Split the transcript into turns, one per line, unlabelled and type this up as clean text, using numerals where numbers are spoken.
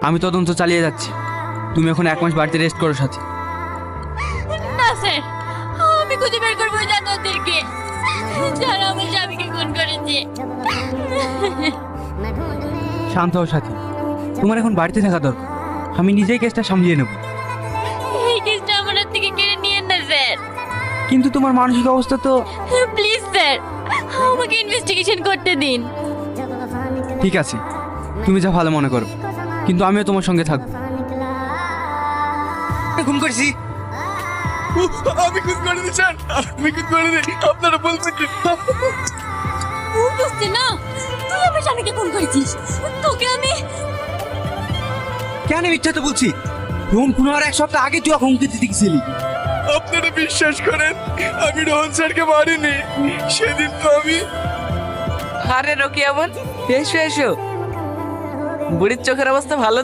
আমি তদন্ত চালিয়ে যাচ্ছি। তুমি এখন 1 মাস বাড়িতে রেস্ট করো সাথী।
না স্যার, আমি খুঁজে বের করবো জানোয়ারদেরকে যারা আমার স্বামীকে খুন করেছে।
শান্ত হও সাথী, তোমার এখন বাড়িতে থাকা দরকার। আমি নিজেই কেসটা সামলিয়ে নেব।
এই কেসটা আমার হাত থেকে কেড়ে নিয়েন না স্যার।
কিন্তু তোমার মানসিক অবস্থা তো।
প্লিজ স্যার, আমাকে ইনভেস্টিগেশন করতে দিন।
ঠিক আছে, তুমি যা ভালো মনে করো, কিন্তু আমিও তোমার সঙ্গে থাকবো।
খুন করেছি। আমি খুন করিনি স্যার, আমি খুন করিনি। আপনারা বলবেন কি?
ভুল বুঝছি না, তুই আমার স্বামীকে খুন করেছিস। তোকে আমি
কেন মিথ্যা তো বলছি? রোহন খুন হওয়ার 1 সপ্তাহ আগে তুই ওকে হুমকি দিতে গেছিলি।
আপনারা বিশ্বাস করেন, আমি রোহন স্যারকে মারিনি। সেদিন তো আমি।
আরে রকি, এমন এসো এসো, বুড়ির চোখের অবস্থা ভালো